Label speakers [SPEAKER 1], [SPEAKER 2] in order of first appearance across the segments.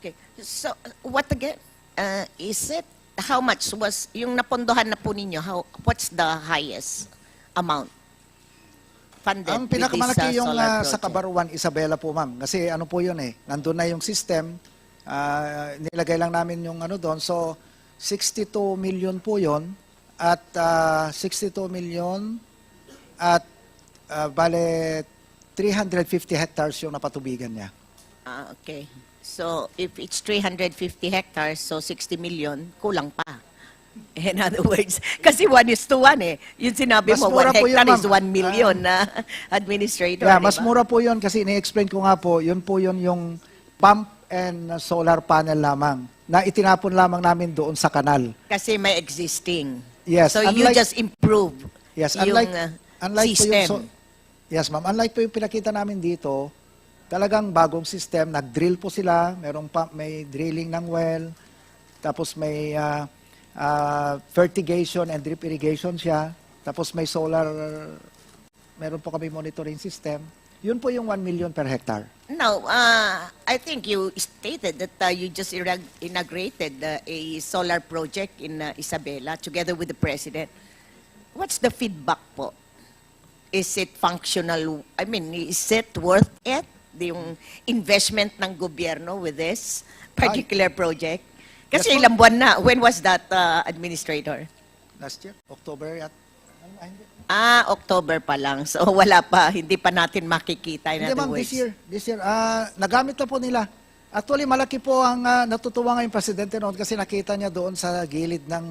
[SPEAKER 1] Okay. So, what again? Is it, how much was, yung napondohan na po ninyo, what's the highest amount funded
[SPEAKER 2] Ang
[SPEAKER 1] with this
[SPEAKER 2] pinakamalaki yung
[SPEAKER 1] solar
[SPEAKER 2] sa
[SPEAKER 1] project?
[SPEAKER 2] Cabaruan, Isabela po, ma'am. Kasi ano po yun eh, nandun na yung system, nilagay lang namin yung ano doon. So, 62 million po yun at 62 million at bale 350 hectares yung napatubigan niya.
[SPEAKER 1] Okay. So, if it's 350 hectares, so 60 million, kulang pa. In other words, kasi 1:1 eh. Yung sinabi
[SPEAKER 2] Mas
[SPEAKER 1] mo,
[SPEAKER 2] mura
[SPEAKER 1] 1
[SPEAKER 2] po yun,
[SPEAKER 1] hectare is
[SPEAKER 2] ma'am.
[SPEAKER 1] 1 million na administrator,
[SPEAKER 2] Yeah,
[SPEAKER 1] di
[SPEAKER 2] mas
[SPEAKER 1] ba?
[SPEAKER 2] mura po yun kasi ni-explain ko nga po yun yung pump and solar panel lamang na itinapon lamang namin doon sa kanal.
[SPEAKER 1] Kasi may existing.
[SPEAKER 2] Yes,
[SPEAKER 1] So, you
[SPEAKER 2] unlike-
[SPEAKER 1] just improve
[SPEAKER 2] Yes,
[SPEAKER 1] yung
[SPEAKER 2] unlike po
[SPEAKER 1] system.
[SPEAKER 2] yung yes, ma'am. Unlike po yung pinakita namin dito, talagang bagong system, nag-drill po sila, merong pump, may drilling ng well, tapos may fertigation and drip irrigation siya, tapos may solar, meron po kami monitoring system. Yun po yung 1 million per hectare.
[SPEAKER 1] Now, I think you stated that you just inaugurated a solar project in Isabela together with the President. What's the feedback po? Is it functional? I mean, is it worth it? Yung investment ng gobyerno with this particular project? Kasi
[SPEAKER 2] Yes,
[SPEAKER 1] ilang buwan na. When was that, Administrator?
[SPEAKER 2] Last year, October at hindi.
[SPEAKER 1] October pa lang. So wala pa, hindi pa natin makikita. In
[SPEAKER 2] Hindi
[SPEAKER 1] other
[SPEAKER 2] ma'am,
[SPEAKER 1] words.
[SPEAKER 2] this year, nagamit na po nila. Actually, malaki po ang natutuwa ngayon Presidente noon kasi nakita niya doon sa gilid ng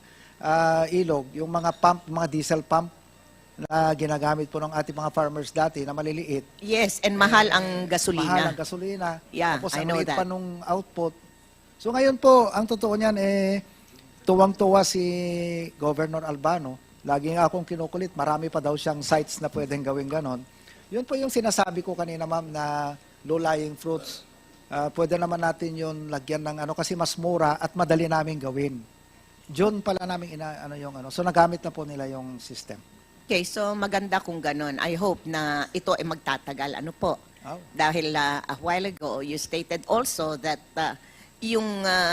[SPEAKER 2] ilog, yung mga pump, mga diesel pump na ginagamit po ng ating mga farmers dati na maliliit.
[SPEAKER 1] Yes, and mahal ang gasolina.
[SPEAKER 2] Mahal ang gasolina.
[SPEAKER 1] Yeah,
[SPEAKER 2] Tapos
[SPEAKER 1] I
[SPEAKER 2] ang
[SPEAKER 1] know
[SPEAKER 2] liit
[SPEAKER 1] that.
[SPEAKER 2] pa nung output. So ngayon po, ang totoo niyan tuwang-tuwa si Governor Albano. Lagi nga akong kinukulit, marami pa daw siyang sites na pwedeng gawin ganon. Yun po yung sinasabi ko kanina ma'am na low-lying fruits. Pwede naman natin yun lagyan ng ano kasi mas mura at madali namin gawin. June pala namin So nagamit na po nila yung system.
[SPEAKER 1] Okay, so maganda kung ganon. I hope na ito ay magtatagal. Ano po?
[SPEAKER 2] Oh.
[SPEAKER 1] Dahil a while ago, you stated also that yung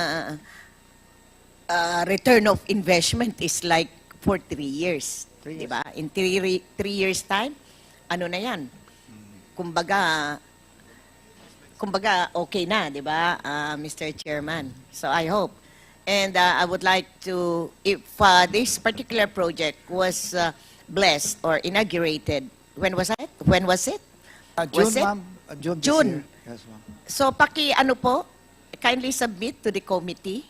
[SPEAKER 1] return of investment is like for 3 years.
[SPEAKER 2] 3 years.
[SPEAKER 1] Diba? In 3 years time, ano na yan? Kumbaga okay na, di ba, Mr. Chairman? So I hope. And I would like to, if this particular project was blessed or inaugurated, when was it? When was it?
[SPEAKER 2] June,
[SPEAKER 1] Was it?
[SPEAKER 2] ma'am. June. this
[SPEAKER 1] June.
[SPEAKER 2] year. Yes, ma'am.
[SPEAKER 1] So kindly submit to the committee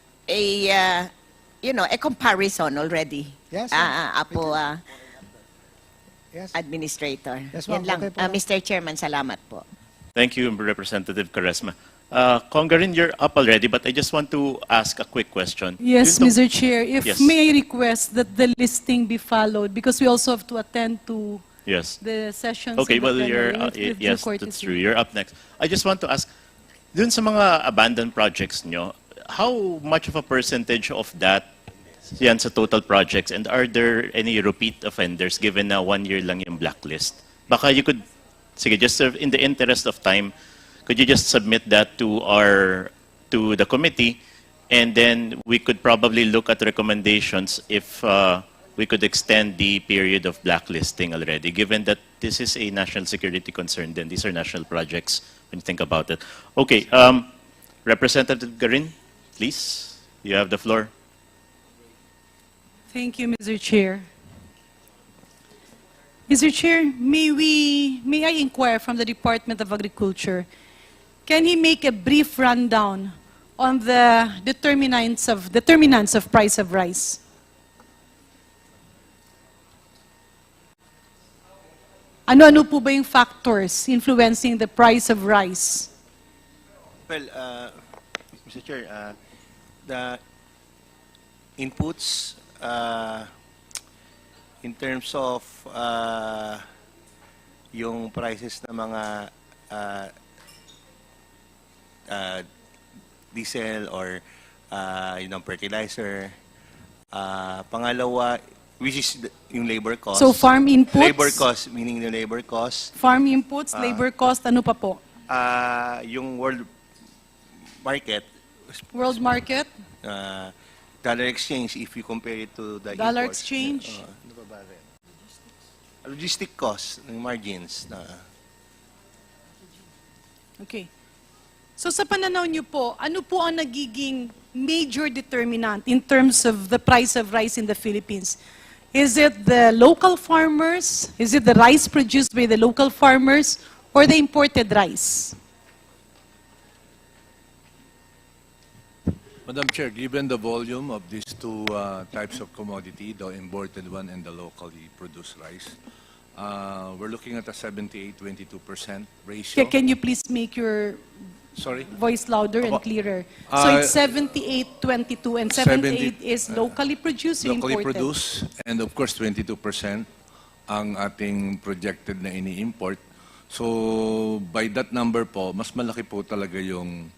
[SPEAKER 1] a comparison already.
[SPEAKER 2] Yes,
[SPEAKER 1] Apo,
[SPEAKER 2] Yes.
[SPEAKER 1] Administrator.
[SPEAKER 2] Yes, ma'am.
[SPEAKER 1] Yan lang.
[SPEAKER 2] Okay po.
[SPEAKER 1] Mr. Chairman, salamat po.
[SPEAKER 3] Thank you, Representative Caresma. Congarin, you're up already, but I just want to ask a quick question.
[SPEAKER 4] Yes,
[SPEAKER 3] Dun to-
[SPEAKER 4] Mr. Chair, if
[SPEAKER 3] Yes.
[SPEAKER 4] may I request that the listing be followed because we also have to attend to
[SPEAKER 3] Yes.
[SPEAKER 4] the sessions.
[SPEAKER 3] Okay,
[SPEAKER 4] of the
[SPEAKER 3] well, you're,
[SPEAKER 4] plenary with due
[SPEAKER 3] yes, that's
[SPEAKER 4] courtesy.
[SPEAKER 3] true. You're up next. I just want to ask, dun sa mga abandoned projects nyo, how much of a percentage of that yan sa total projects, and are there any repeat offenders given na 1 year lang yung blacklist? Baka you could, sige, just in the interest of time, could you just submit that to the committee, and then we could probably look at recommendations if we could extend the period of blacklisting already, given that this is a national security concern, then these are national projects when you think about it. Okay, Representative Garin, please, you have the floor.
[SPEAKER 4] Thank you, Mr. Chair. Mr. Chair, may I inquire from the Department of Agriculture, can he make a brief rundown on the determinants of price of rice? Ano-ano po ba yung factors influencing the price of rice?
[SPEAKER 5] Well, Mr. Chair, the inputs in terms of yung prices ng mga diesel or yung fertilizer. Pangalawa, which is yung labor cost.
[SPEAKER 4] So farm inputs?
[SPEAKER 5] Labor cost, meaning the labor cost.
[SPEAKER 4] Farm inputs, labor cost, ano pa po?
[SPEAKER 5] Yung world market,
[SPEAKER 4] World market,
[SPEAKER 5] dollar exchange, if you compare it to the
[SPEAKER 4] dollar
[SPEAKER 5] imports,
[SPEAKER 4] exchange.
[SPEAKER 5] ano pa ba rin? Logistic cost, ng margins.
[SPEAKER 4] Okay. So sa pananaw niyo po, ano po ang nagiging major determinant in terms of the price of rice in the Philippines? Is it the local farmers? Is it the rice produced by the local farmers? Or the imported rice?
[SPEAKER 6] Madam Chair, given the volume of these two types of commodity, the imported one and the locally produced rice, we're looking at a 78-22% ratio.
[SPEAKER 4] Can you please make your
[SPEAKER 6] Sorry?
[SPEAKER 4] voice louder and
[SPEAKER 6] Apo.
[SPEAKER 4] clearer? So it's 78-22 and 78
[SPEAKER 6] 70
[SPEAKER 4] is locally produced or
[SPEAKER 6] Locally
[SPEAKER 4] imported?
[SPEAKER 6] produced, and of course 22% ang ating projected na ini-import. So by that number po, mas malaki po talaga yung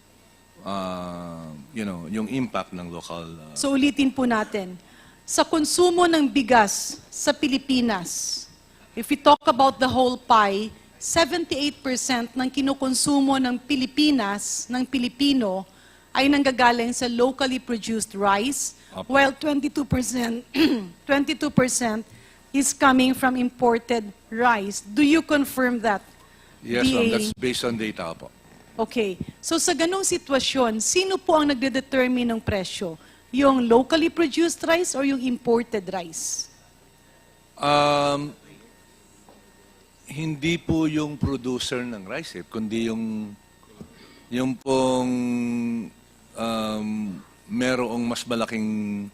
[SPEAKER 6] yung impact ng local.
[SPEAKER 4] So ulitin po natin. Sa konsumo ng bigas sa Pilipinas, if we talk about the whole pie, 78% ng kinukonsumo ng Pilipinas, ng Pilipino, ay nanggagaling sa locally produced rice,
[SPEAKER 6] Apo.
[SPEAKER 4] while 22%, 22% is coming from imported rice. Do you confirm that?
[SPEAKER 6] Yes, ma'am,
[SPEAKER 4] DA?
[SPEAKER 6] that's based on data po.
[SPEAKER 4] Okay. So sa ganong sitwasyon, sino po ang nagde-determine ng presyo? Yung locally produced rice or yung imported rice?
[SPEAKER 6] Hindi po yung producer ng rice, kundi yung pong merong mas malaking,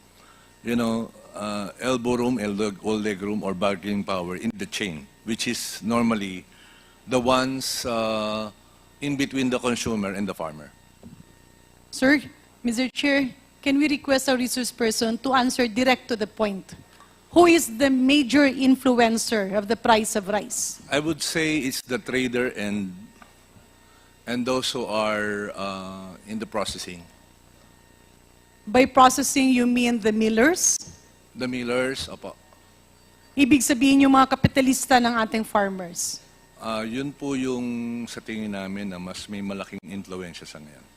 [SPEAKER 6] elbow room, old leg room, or bargaining power in the chain, which is normally the ones in between the consumer and the farmer.
[SPEAKER 4] Sir, Mr. Chair, can we request our resource person to answer direct to the point? Who is the major influencer of the price of rice?
[SPEAKER 6] I would say it's the trader and those who are in the processing.
[SPEAKER 4] By processing, you mean the millers?
[SPEAKER 6] The millers, opo.
[SPEAKER 4] Ibig sabihin yung mga kapitalista ng ating farmers.
[SPEAKER 6] Yun po yung sa tingin namin na mas may malaking influensya sa ngayon.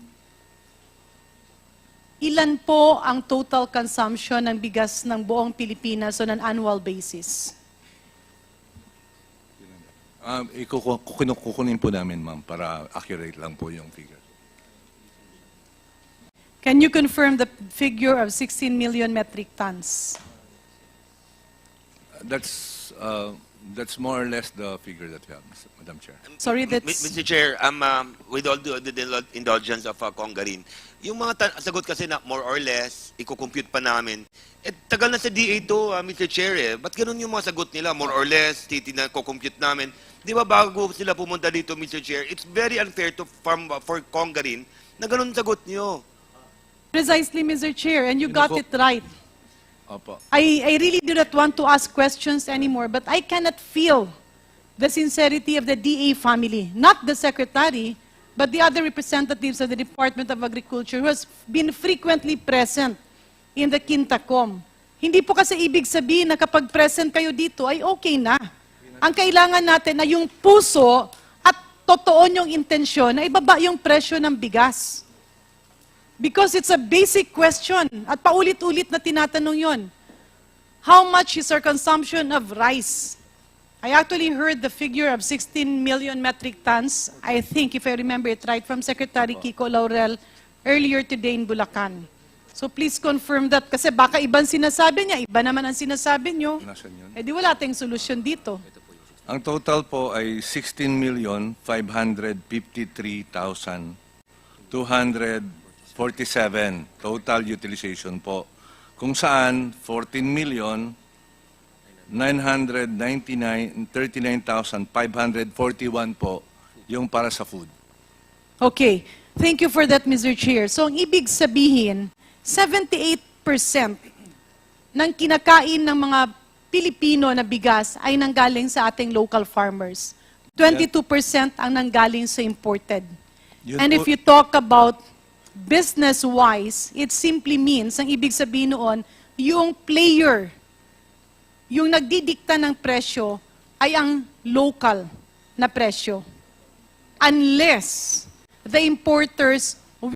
[SPEAKER 4] Ilan po ang total consumption ng bigas ng buong Pilipinas on an annual basis?
[SPEAKER 6] Kukunin po namin, ma'am, para accurate lang po yung figure.
[SPEAKER 4] Can you confirm the figure of 16 million metric tons?
[SPEAKER 6] That's more or less the figure that we have, Madam Chair.
[SPEAKER 4] Sorry, that's...
[SPEAKER 7] Mr. Chair, with all the indulgence of Congarin, yung mga sagot kasi na more or less, i-compute pa namin, tagal na sa DA to, Mr. Chair, ba't ganun yung mga sagot nila, more or less, ko-compute namin. Di ba bago sila pumunta dito, Mr. Chair, it's very unfair for Congarin na ganun sagot niyo.
[SPEAKER 4] Precisely, Mr. Chair, and you got it right.
[SPEAKER 6] Opo.
[SPEAKER 4] I really do not want to ask questions anymore, but I cannot feel the sincerity of the DA family, not the secretary, but the other representatives of the Department of Agriculture who has been frequently present in the Quintacom. Hindi po kasi ibig sabihin na kapag present kayo dito ay okay na. Ang kailangan natin na yung puso at totoo yung intensyon na ibaba yung presyo ng bigas. Because it's a basic question at paulit-ulit na tinatanong yon. How much is our consumption of rice? I actually heard the figure of 16 million metric tons, I think, if I remember it right, from Secretary Kiko Laurel earlier today in Bulacan. So please confirm that kasi baka ibang sinasabi niya, iba naman ang sinasabi niyo.
[SPEAKER 6] Nasaan yun?
[SPEAKER 4] Eh di wala tayong solusyon dito.
[SPEAKER 6] Ang total po ay 16,553,247 total utilization po. Kung saan 39,541 po yung para sa food.
[SPEAKER 4] Okay. Thank you for that, Mr. Chair. So, ang ibig sabihin, 78% ng kinakain ng mga Pilipino na bigas ay nanggaling sa ating local farmers. 22% ang nanggaling sa imported.
[SPEAKER 6] Yun
[SPEAKER 4] And
[SPEAKER 6] po-
[SPEAKER 4] if you talk about business-wise, it simply means, ang ibig sabihin noon, yung player, yung nagdidikta ng presyo, ay ang local na presyo. Unless the importers